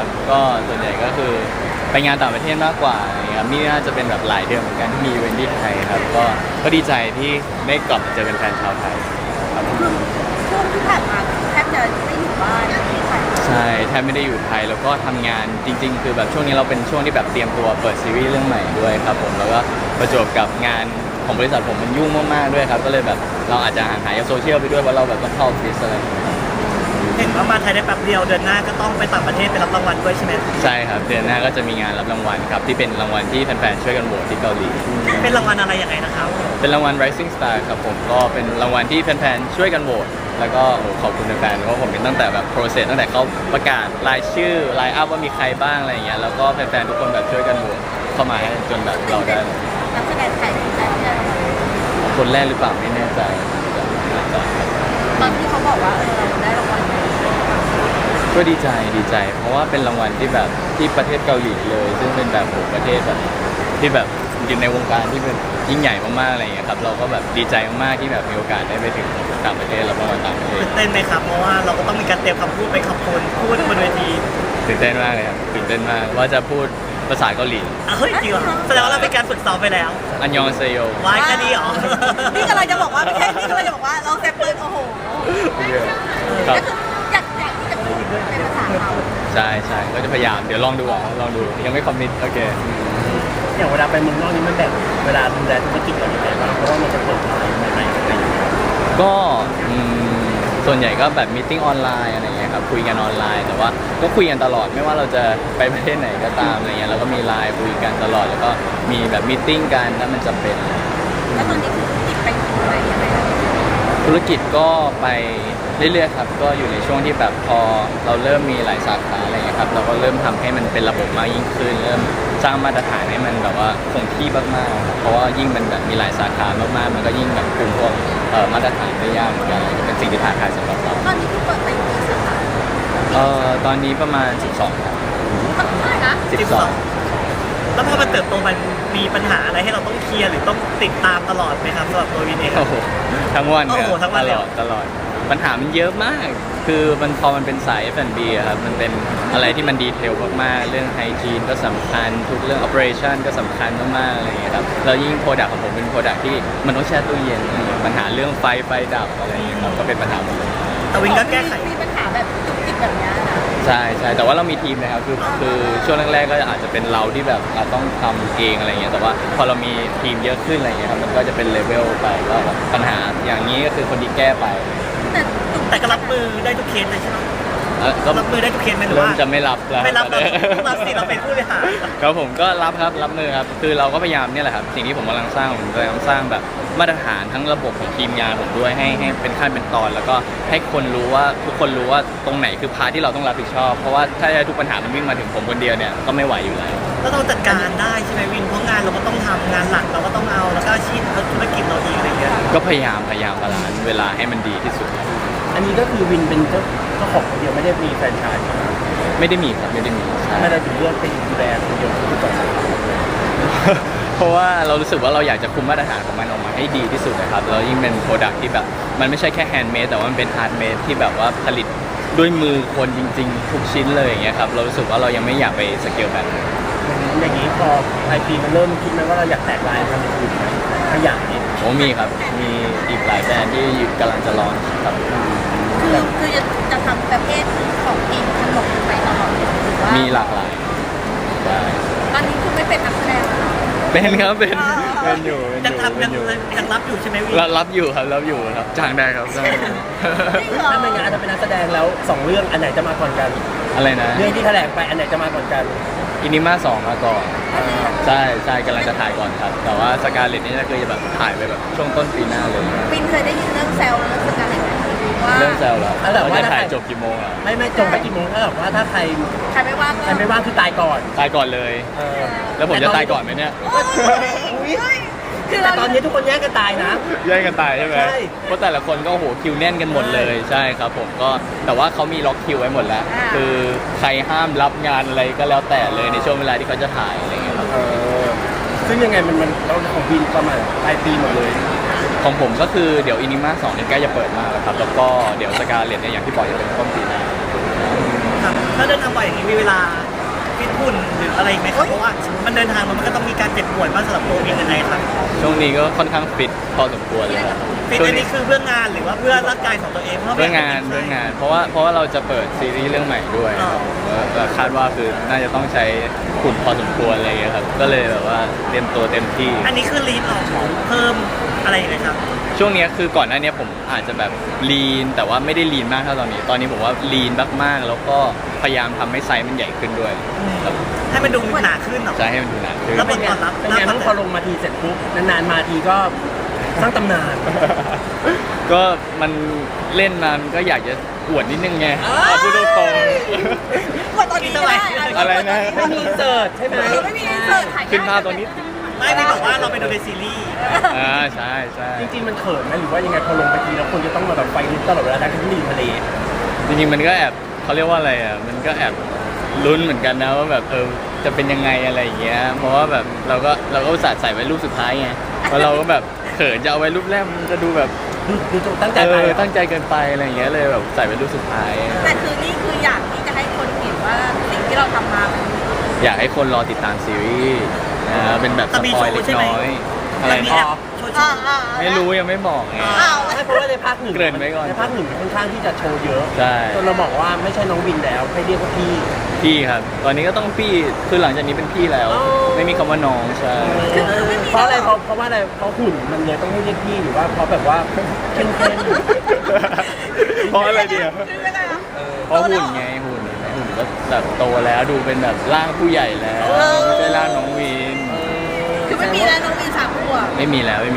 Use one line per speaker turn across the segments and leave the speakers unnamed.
ก็ส่วนใหญ่ก็คือไปงานต่างประเทศมากกว่าครับนี่น่าจะเป็นแบบหลายเดือนเหมือนกันที่มีอีเวนท์ที่ไทยครับก็ดีใจที่ได้กลับมาเจอแฟนๆชาวไทยครับ
คือช่วงที่ผ่านมาแทบจะไม่อยู่บ้านที่ไทย
ใช่แทบไม่ได้อยู่ไทยแล้วก็ทำงานจริงๆคือแบบช่วงนี้เราเป็นช่วงที่แบบเตรียมตัวเปิดซีรีส์เรื่องใหม่ด้วยครับผมแล้วก็ประจวบกับงานของบริษัทผมมันยุ่งมากๆด้วยครับก็เลยแบบเราอาจจะห่างหายจากโซเชียลไปด้วยเพราะเราแบบต้องเข้าออฟฟิศอะไรอย่างเงี้ย
เห็นว่ามาไทยได้แป๊บเดียวเดือนหน้าก็ต้องไปต่างประเทศไปรับรางวัลด้วยใช่ไหม
ใช่ครับเดือนหน้าก็จะมีงานรับรางวัลครับที่เป็นรางวัลที่แฟนๆช่วยกันโหวตที่เกาหลี
เป็นรางวัลอะไรยังไงนะครับ
เป็นรางวัล Rising Star ครับผมก็เป็นรางวัลที่แฟนๆช่วยกันโหวตแล้วก็ขอบคุณแฟนๆเพราะผมเป็นตั้งแต่แบบ process ตั้งแต่เขาประกาศรายชื่อไลน์อัพว่ามีใครบ้างอะไรอย่างเงี้ยแล้วก็แฟนๆทุกคนแบบช่วยกันโหวตเข้ามาให้จนแบบเราได้
นักแสดงไทยที่ได้ที่ได้รางวัล
คนแรกหรือเปล่าไม่แน่ใจน่าจะ
ตอนที่เขาบอกว่าเราได้รางวัลนี้
ก็ดีใจ เพราะว่าเป็นรางวัลที่แบบที่ประเทศเกาหลีเลย ซึ่งเป็นแบบโหประเทศแบบที่แบบอยู่ในวงการที่เป็นยิ่งใหญ่มากๆอะไรอย่างเงี้ยครับเราก็แบบดีใจมากๆที่แบบมีโอกาสได้ไปถึงต่างประเทศแล้วรางวัลต่างประเทศ
ตื่นเต้นไหมครับเพราะว่าเราก็ต้องมีการเตรียมคำพูดไปขอบคุณพูดบนเวที
ตื่นเต้นมากเลยครับตื่นเต้นมากว่าจะพูดภาษาเกาหลี
เฮ้ยจริงเหรอแสดงว่าเราเป็นการฝึกซ้อมไปแล้ว
อันยองเซโย
วายแค่นี้เหรอ
นี่กำลังจะบอกว่าไม่ใช่นี่กำลังจะบอกว่าเราเซฟปืนโอ้โห
ครับ
ก็คืออยากที่จะพูดเป็นภาษาเขา
ใช่ก็จะพยายามเดี๋ยวลองดูยังไม่คอมมิตโอเค
อย่างเวลาไปเมืองนอกนี่มันแบบเวลาดูแลธุรกิจเราอย่างไรบ้างเพราะว่ามันจะเปิดอะไรใหม่ๆอะไรอย่างเงี้ย
ก็ส่วนใหญ่ก็แบบมีติ้งออนไลน์อะไรเงี้ยครับคุยกันออนไลน์แต่ว่าก็คุยกันตลอดไม่ว่าเราจะไปประเทศไหนก็ตามอะไรเงี้ยเราก็มีไลน์คุยกันตลอดแล้วก็มีแบบมีติ้งกันถ้ามันจำเป็น
แล้วตอนนี้คือติดไปถึงไหนยังไง
ธุรกิจก็ไปเรื่อยๆครับก็อยู่ในช่วงที่แบบพอเราเริ่มมีหลายสาขาอะไรเงี้ยครับเราก็เริ่มทำให้มันเป็นระบบมากยิ่งขึ้น เริ่มสร้างมาตรฐานให้มันแบบว่าคงที่มากๆครับเพราะว่ายิ่งมันแบบมีหลายสาขามากๆมันก็ยิ่งแบบคุมพวกมาตรฐานได้ยากเหมือนกันก็เป็นสิ่งที่ท้าทายสำหรับเรา
ตอนนี้คือเปิดไปกี่สาขา
ตอนนี้ประมาณ 12ครับ
เท่าไหร่นะ
12
แล้วพอมันเติบโตมันมีปัญหาอะไรให้เราต้องเคลียร์หรือต้องติดตามตลอดไหมครับสำหรับตัววินเอง
โอ้โหทั้งวัน
โอ้
เนี่ย
โหทั้งวันเลย
ตลอดปัญหามันเยอะมาก คือมันพอมันเป็นสาย F&B อะครับมันเป็นอะไรที่มันดีเทลมากๆเรื่องไฮจีนก็สำคัญทุกเรื่อง operation ก็สำคัญมากๆอะไรอย่างเงี้ยครับแล้วยิ่งโปรดักต์ของผมเป็นโปรดักต์ที่มันต้องแช่ตู้เย็นอะไรอย่างเงี้ยปัญหาเรื่องไฟดับอะไรอย่างเงี้ยครับก็เป็นปัญหาหมดเลย
แต่วินก็แก้ไข
มีปัญหาแบบจุกจิกแบบเนี้ยนะ
ใช่แต่ว่าเรามีทีมนะครับคือช่วงแรกๆก็อาจจะเป็นเราที่แบบเราต้องทำเองอะไรอย่างเงี้ยแต่ว่าพอเรามีทีมเยอะขึ้นอะไรอย่างเงี้ยครับมันก็จะเป็นเลเวลไปว่าแบบปัญหาอย่างนี้ก็คือคนที่แก้ไป
แต่จุก
แต่ก็รับมือได้ทุกเคสเลยใช่ไหม
ก็
รับมือได้ทุกเคสไหมหรือ
เริ่ม
ว่า
จะไม่รับแล้ว
ไม่รับเราต้องรับสิเราเป็นผู้บริหาร
ครับผมก็รับครับรับมือครับคือเราก็พยายามเนี่ยแหละครับสิ่งที่ผมกำลังสร้างผมกำลังสร้างแบบมาตรฐานทั้งระบบของทีมงานผมด้วยให้เป็นขั้นเป็นตอน แล้วก็ให้คนรู้ว่าทุกคนรู้ว่าตรงไหนคือพาร์ทที่เราต้องรับผิดชอบเพราะว่าถ้าทุกปัญหามันวิ่งมาถึงผมคนเดียวเนี่ยก็ไม่ไหวอยู่แล้ว
แล้วเราจัดการได้ใช่ไหมวินเพราะงานเราก็ต้องทำงานหลักเราก็ต้องเอาแล้วก็อาชีพธุรกิจเราอีกอะไรเงี้ย
ก็พยายามบาลานซ์เวลาให้มันดีที่สุด
อันนี้ก็คือวินเป็นเจ้าของคนเดียวไม่ได้มีแฟรนไชส์
ไม่ได้มีครับไม่ได้มีใช่
ไม่ได้ถึงเรื่องเป็นดูแลคนเดียวทุกสาขา
เพราะว่าเรารู้สึกว่าเราอยากจะคุมมาตรฐานของมันออกมาให้ดีที่สุดนะครับแล้วยิ่งเป็นโปรดักที่แบบมันไม่ใช่แค่แฮนด์เมดแต่ว่ามันเป็นฮาร์ดเมดที่แบบว่าผลิตด้วยมือคนจริงๆ ทุกชิ้นเลยอย่างเงี้ยครับเรารู้สึกว่าเรายังไม่อยากไปสเกลแบบนั้น
อย่างนี้พอไอพีมันเริ่มคิดไหมว่าเราอยากแตกลายทำเป็นอื่นไหมขยาย
ผมมีครับมีอีกหลายแบรนด์ที่กำลังจะลอนครับ
คือจะทำประเภทของกินขนมไปตลอดหรือว่า
มีหลากหลายใช่
ตอนนี้คือไม่เป็นนักแสดงแล้ว
เป็นครับเป็นอยู่
ยังทำยังรับอยู่ใช่ไหมวิน
รับอยู่ครับจ้างได้ครับจ้างได้
ถ้าไม่งั้นอาจจะเป็นนักแสดงแล้ว2เรื่องอันไหนจะมาก่อนกัน
อะไรนะ
เรื่องที่แถลงไปอันไหนจะมาก่อนกัน
อินิมา2มาก่อนใช่กำลังจะถ่ายก่อนครับ แต่ว่าสกาเลตนี่ก็คือจะแบบถ่ายไปแบบช่วงต้นปีหน้าเลย
ปินเคยได้ยินเรื่องแซลแล้วเรื่องสการเล็ตไหมว่า
เรื่องแซวแล้ว
แล้วแบบว่า
จะถ่ายจบกี่โมงอ่ะ
ไม่จงไปกี่โมงถ้าแบบว่าถ้าใคร
ใครไม่ว่างก็
ไม่ว่างคือตายก่อน
ตายก่อนเลย
เออ
แล้วผมจะตายก่อนไหมเนี่ย
โอ้ยคือ
แต่
เรา
ตอนนี้ทุกคนแย่งกันตายนะ
แย่งกันตายใช่ไหม
ใช่
เพราะแต่ละคนก็โหคิวแน่นกันหมดเลยใช่ครับผมก็แต่ว่าเขามีล็อกคิวไว้หมดแล้ว คือใครห้ามรับงานอะไรก็แล้วแต่เลยในช่วงเวลาที่เขาจะถ่ายอะไรเงี้ยครับ
เออซึ่งยังไงมันเราของวินประมาณปลายปีหมดเลย
ของผมก็คือเดี๋ยวอินิมา2เนี่ยใกล้จะเปิดมากแล้วครับแล้วก็เดี๋ยวสกาเลตเนี่ยอย่างที่บอกจะเป็นต้นปีหน้า
ครับถ้าเดินทางล่อยอย่างนี้มีเวลาฟิตหุ่นหรืออะไรอีกไหมครับเพราะว่ามันเดินทางมันก็ต้องมีการเจ็บป่วยบ้างสำหรับตัวเองยังไงครับ
ช่วงนี้ก็ค่อนข้างฟิตพอสมควรเลยครับ
ฟิต
ช่วง
อันนี้คือเพื่องานหรือว่าเพื่อร่างกายของตัวเองเพราะ
เรื่องงานเพราะว่าเราจะเปิดซีรีส์เรื่องใหม่ด้วยครับก็คาดว่าคือน่าจะต้องใช้ขุนพอสมควรอะไรอย่างเงี้ยครับก็เลยแบบว่าเตรียมตัวเต็มที่
อันนี้คือลีดออกเพิ่มอะไรยังไงครับ
ช่วงเนี้ยคือก่อนหน้าเนี้ยผมอาจจะแบบลีนแต่ว่าไม่ได้ลีนมากเท่าตอนนี้ผมว่าลีนมากๆแล้วก็พยายามทำให้ไซส์มันใหญ่ขึ้นด้วยครับ
ให้มันดูหนาขึ้นเหรอ
จะให้มันดูหนาขึ้น
แล้วเป็นตอนรับ
เป็นไงบ้างพอลงมาทีเสร็จปุ๊บนานๆมาทีก็สร้างตำนาน
ก็มันเล่นมามันก็อยากจะอวดนิดนึงไงพูดตรง
ว่าตอนนี้ก็ได้
อะไรนะ
ไม่มีอินเสิร์ตใช่ไหม
ไม่มีอินเสิร์ตถ่าย
ๆขึ้นภาพตรงนี้
ไม่ได้บอกว่าเราไปดูในซีรีส์
ใช่ใช่
จริงๆมันเขินไหมหรือว่ายังไงพอลงไปทีแล้วคนจะต้องมาแบบไฟลุกตลอดเวลาทั้งที่อยู่ทะเล
จริงๆมันก็แอบเขาเรียกว่าอะไรอ่ะมันก็แอบลุ้นเหมือนกันนะว่าแบบจะเป็นยังไงอะไรอย่างเงี้ยเพราะว่าแบบเราก็อุตส่าห์ใส่ไว้รูปสุดท้ายไงเพราะเราก็แบบเขินจะเอาไว้รูปแรกมันจะดูแบบ
ดูตั้งใจไป
ตั้งใจเกินไปอะไรอย่างเงี้ยเลยแบบใส่ไว้รูปสุดท้าย
แต่คือนี่คืออยากที่จะให้คนเห็นว่าสิ่งที่เราทำมามัน
อยากให้คนรอติดตามซีรีส์เป็นแบบสปอยเล็กน้อยอะไร
มี
นะ
แอบโชว์
ไม่รู้ยังไม่บอกไง
อ้าว
ไม่เพราะว่าในภาคหนึ่ง
เกริ่นไว้ก่อน
ในภาคหนึ่งค่อนข้างที่จะโชว์เยอะ
ใช่
จนเราบอกว่าไม่ใช่น้องวินแล้วให้เรียกว่าพี่
พี่ครับ ตอนนี้ก็ต้องพี่คือหลังจากนี้เป็นพี่แล้ว
อ๋อ
ไม่มีคำว่าน้องใช่
เพราะอะไรเพราะว่าอะไรเพราะหุ่นมันเลยต้องให้เรียกพี่หรือว่าเพราะแบบว่าเข้ม
เพราะอะไรเดียว
คือยังไงอะ
เพราะหุ่นไงหุ่นก็แบบโตแล้วดูเป็นแบบร่างผู้ใหญ่แล้วไม่ใช่ร่างน้องวิน
คือไม่มีแล้วน้องมี3 ขวบ
ไม่มีแล้ว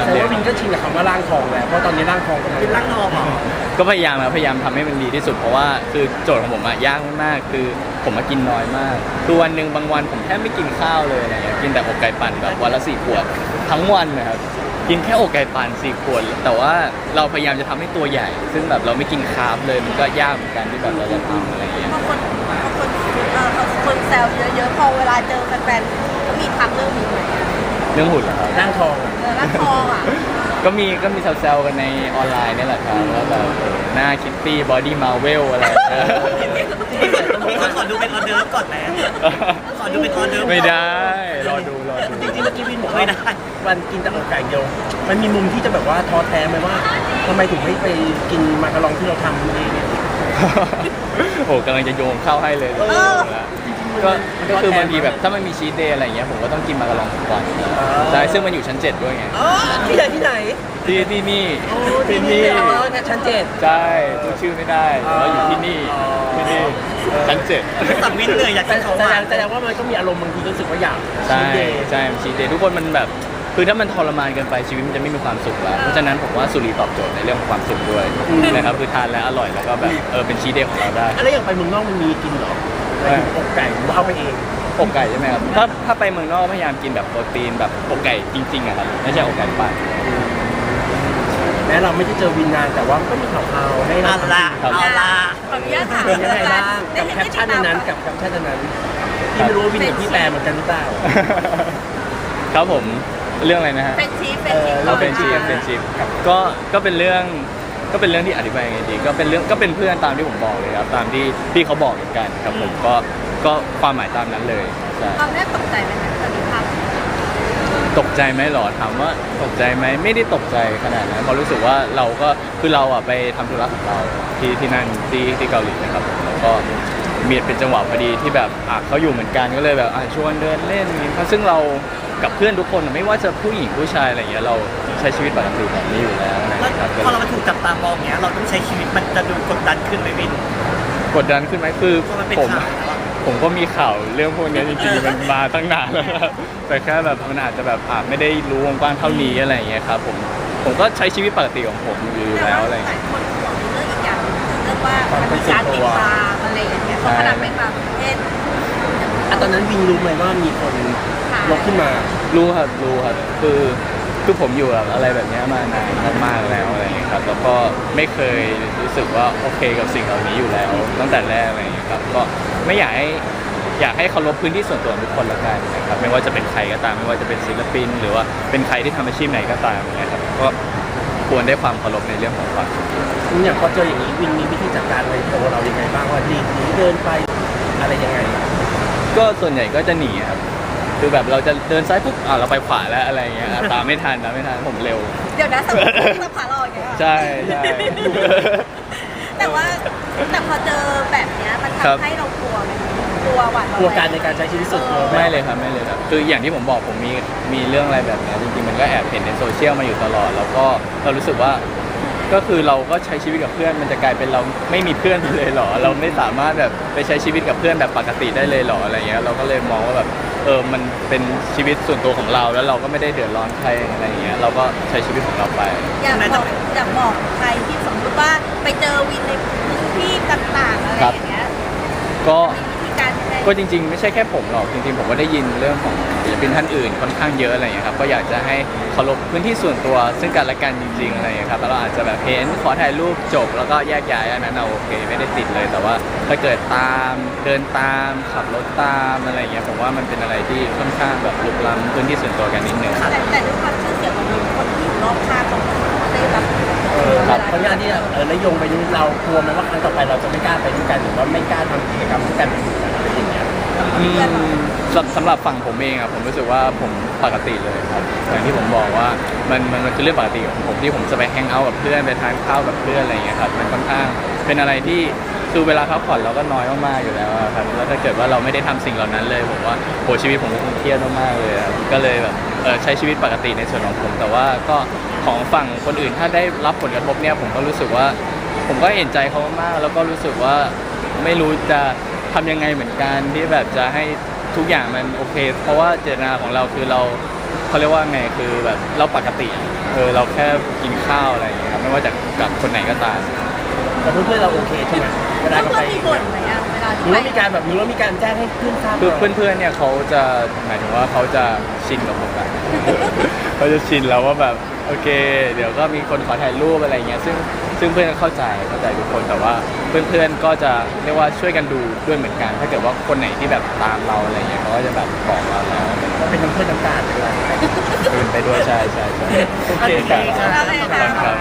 แต่ว่าวินก็ชินกับคำว่าร่างทองแล้วเพราะตอนนี้ร่างทองกำลัง
เป็นร่างทองเหรอ
ก็พยายามทำให้มันดีที่สุดเพราะว่าคือโจทย์ของผมอะยากมากๆคือผมมากินน้อยมากคือวันหนึ่งบางวันผมแทบไม่กินข้าวเลยอะไรเงี้ยกินแต่อกไก่ปั่นแบบวันละ4 ขวดทั้งวันนะครับกินแค่อกไก่ปั่น4 ขวดแต่ว่าเราพยายามจะทำให้ตัวใหญ่ ซึ่งแบบเราไม่กินคาร์บเลยมันก็ยากเหมือนกันที่แบบเราจะทำอะไรเงี้ย
บางคนแซวเยอะๆพอเวลาเจอแฟนๆก็มีทักเรื่องนี้ไหม
เรื่องหุ่นเหรอครับ
ร่างทอง
ร่างทองอ่ะ
ก็มีแซวๆกันในออนไลน์นี่แหละครับว่าแบบหน้าคิตตี้บอดี้มาเวลอะไร
ขอดูเป็นออเดิร์ฟก่อนไหมขอดูเป็นออเดิร์ฟ
ไม่ได้รอดู
จริงๆเมื่อกี้วินบอก
ไม่
ว่า
ได้
วันกินแต่อกไก่เดียวมันมีมุมที่จะแบบว่าท้อแท้ไหมว่าทำไมถึงไม่ไปกินมาการองที่เราทำเองเนี่ย
โอ้กำลังจะโยงเข้าให้เลยก็คือบางทีแบบถ้ามันมีชีทเดย์อะไรอย่างเงี้ยผมก็ต้องกินมาการองทุกวันใช่ซึ่งมันอยู่ชั้น 7 ด้วยไง
ที่ไหนที่ไหน
ที่นี่
ที่นี่ชั้นเจ็ด
ใช่พูดชื่อไม่ได้เราอยู่ที่นี่ชั้น
สั่งวินเหนื่อยอยากกินของหวาน
แสดงว่ามันก็มีอารมณ์บางทีรู้สึกว่าอยาก
7ใช่ชีทเดย์ทุกคนมันแบบคือถ้ามันทรมานเกินไปชีวิตมันจะไม่มีความสุขแล้วเพราะฉะนั้นผมว่าสุรีตอบโจทย์ในเรื่องของความสุขด้วยนะครับคือทานแล้วอร่อยแล้วก็แบบเป็นชีทเดย์ของเราได้
อะไรอย่างไปเมืองนอกมันมีกินเหรออกไก่หรือว่าเอาไปเอง
อกไก่ใช่ไหมครับถ้าไปเมืองนอกพยายามกินแบบโปรตีนแบบอกไก่จริงๆอะครับไม่ใช่อกไก่ปั่น
แม้เราไม่ได้เจอวินนานแต่ว่ามันก็มีข่าวๆให้
เอา
เรา
ละ
ครับ
เอาละ
ขออนุญาตถาม
เป็นยังไงบ้างกับแคปชั่นในนั้นกับแคปชั่นในนั้นที่ไม่รู้ว่าวินกับพี่แปลเหมือนกันหรือเปล่า
ครับผมเรื่องอะไรนะฮะ
เป็นชีฟ
เราเป็นชิปก็เป็นเรื่องที่อธิบายยังไงดีก็เป็นเพื่อนตามที่ผมบอกเลยครับตามที่พี่เขาบอกเหมือนกันครับผมก็ความหมายตามนั้นเลยใช่
ตอนแรกตกใจไหมคะตอนนี้ภาพ
ตกใจไหมหรอถามว่าตกใจไหมไม่ได้ตกใจขนาดนั้นเพราะรู้สึกว่าเราก็คือเราอะไปทำธุระของเราที่นั่นที่เกาหลีนะครับแล้วก็มีเป็นจังหวะพอดีที่แบบเขาอยู่เหมือนกันก็เลยแบบชวนเดินเล่นเพราะซึ่งเรากับเพื่อนทุกคนไม่ว่าจะผู้หญิงผู้ชายอะไรอย่างเงี้ยเราใช้ชีวิตปกติแบบนี้อยู่แล้วนะ
แล้ว
ครับ
พอเรามาถูกจับตามองเงี้ยเราต้องใช้ชีวิตมันจะดูกดดันขึ้นไหมวิน
กดดันขึ้นไหมคือ
เพราะมันเป็น
ผม
ข่าวแล้วอะ
ผมก็มีข่าวเรื่องพวกนี้จริงๆมันมาตั้งนานแล้วครับแต่แค่แบบมันอาจจะแบบไม่ได้รู้วงกว้างเท่านี้อะไรอย่างเงี้ยครับผมก็ใช้ชีวิตปกติของผมอยู่
แต่
แล้ว
ว่า
อะไร
ห
อย่าง
ลา
เงี้
ย
ย
คนห่วงเรื่องอีกอย่างเรื่องว่ามันมีการติดตามอะไรอย่างเงี้ยเพราะขนาดไปต่างประเทศ
ตอนนั้นวินรู้ไหมว่ามีคนยกขึ้นมา
รู้ครับคือผมอยู่กับอะไรแบบเนี้ยมานานมากๆแล้วอะไรอย่างเงี้ยครับแล้วก็ไม่เคยรู้สึกว่าโอเคกับสิ่งเหล่านี้อยู่แล้วตั้งแต่แรกอะไรอย่างเงี้ยครับก็ไม่อยากให้เคารพพื้นที่ส่วนตัวของทุกคนละกันนะครับไม่ว่าจะเป็นใครก็ตามไม่ว่าจะเป็นศิลปิน หรือว่าเป็นใครที่ทำอาชีพไหนก็ตามนะครับก็ควรได้ความเคารพในเรื่องของความ
อย่างพอเจออย่างนี้วินมีวิธีจัดการในตัวเรายังไงบ้างว่าดีหรือเดินไปอะไรยังไง
ก็ส่วนใหญ่ก็จะหนีครับคือแบบเราจะเดินซ้ายปุ๊บเราไปขวาแล้วอะไรเงี้ยตามไม่ทันผมเร็ว
เดี๋ยวนะสมมติสภาเราอย่างเงี้ย
ใช่ใช่
แต่ว่าแต่พอเจอแบบเนี้ยมัน
ครับ
ทำให้เรากลัวไหมกลัวหวาดระแวง
กลัวการในการใช้ชีวิตส่วนตัว
ไม่เลยครับไม่เลยครับคืออย่างที่ผมบอกผมมีเรื่องอะไรแบบเนี้ยจริงๆมันก็แอบเห็นในโซเชียลมาอยู่ตลอด แล้วก็เรารู้สึกว่าก็คือเราก็ใช้ชีวิตกับเพื่อนมันจะกลายเป็นเราไม่มีเพื่อนไปเลยเหรอเราไม่สามารถแบบไปใช้ชีวิตกับเพื่อนแบบปกติได้เลยเหรออะไรเงี้ยเราก็เลยมองว่าแบบมันเป็นชีวิตส่วนตัวของเราแล้วเราก็ไม่ได้เดือดร้อนใครอะไรเงี้ยเราก็ใช้ชีวิตของเราไป
อยากบอกใครที่สมมติว่าไปเจอวินในพื้นที่ต่างๆอะไรอย่างเงี้ย
ก็
มีวิธีการยังไง
ก็จริงๆไม่ใช่แค่ผมหรอกจริงๆผมก็ได้ยินเรื่องของศิลปินท่านอื่นค่อนข้างเยอะอะไรอย่างเงี้ยครับก็อยากจะให้เคารพพื้นที่ส่วนตัวซึ่งกันและกันจริงๆอะไรอย่างเงี้ยครับแล้วเราอาจจะแบบเห็นขอถ่ายรูปจบแล้วก็แยกย้ายอันนั้นเราโอเคไม่ได้ติดเลยแต่ว่าถ้าเกิดตามเดินตามขับรถตามอะไรอย่างเงี้ยผมว่ามันเป็นอะไรที่ค่อนข้างแบบลุกล้ำพื้นที่ส่วนตัวกันนิดนึง
แต่ด้วยความชื่อเสียงของคนที่อยู่รอบข้างของเราได้รับ
เพราะงานที่ระยงไปนี้เรากลัวไหมว่าครั้งต่อไปเราจะไม่กล้าไปด้วยกันหรือว่าไม่กล้าทำกิจกรรมด้วยกันอะไรอย่างเงี้ย
สำหรับฝั่งผมเองอะผมรู้สึกว่าผมปกติเลยครับอย่างที่ผมบอกว่ามันคือเรื่องปกติของผมที่ผมจะไปแฮงเอาท์กับเพื่อนไปทานข้าวกับเพื่อนอะไรอย่างเงี้ยครับมันค่อนข้างเป็นอะไรที่คือเวลาพักผ่อนเราก็น้อยมากๆอยู่แล้วอะครับแล้วถ้าเกิดว่าเราไม่ได้ทำสิ่งเหล่านั้นเลยผมว่าโหชีวิตผมก็คงเครียดมากๆเลยครับก็เลยแบบใช้ชีวิตปกติในส่วนของผม แต่ว่าก็ของฝั่งคนอื่นถ้าได้รับผลกระทบเนี่ยผมก็รู้สึกว่าผมก็เห็นใจเขามากๆแล้วก็รู้สึกว่าไม่รู้จะทำยังไงเหมือนกันที่แบบจะให้ทุกอย่างมันโอเค เพราะว่าเจตนาของเราคือเขาเรียกว่าไงคือแบบเราปกติเราแค่กินข้าวอะไรอย่างเงี้ยครับไม่ว่าจะกับคนไหนก็ตาม
แต่เพื่อนๆเราโอเคใช่ไหมเวลา
เพื่
เรา
อน
ไป
ๆมีบ่นไหมอะเวลา
ห
ที่
รือ
ไป
ว่ามีการแบบนี้ว่ามีการแจ้งให้เพื่อนทราบ
คือเพื่อนๆเนี่ยเขาจะหมายถึงว่าเขาจะชินกับผมอะเขาจะชินแล้วว่าแบบโอเค เดี๋ยวก็มีคนขอถ่ายรูปอะไรเงี้ยซึ่งเพื่อนก็เข้าใจทุกคนแต่ว่าเพื่อนๆก็จะเรียกว่าช่วยกันดูด้วยเหมือนกัน ถ้าเกิดว่าคนไหนที่แบบตามเราอะไรเงี้ยเขาก็จะแบบบอกเราแล้ว
ก็เป็นน้ำเพื่อนน้ำตาลไปเลย
เดินไปด้วยใช่
โอเคครับ
โอเคค่ะ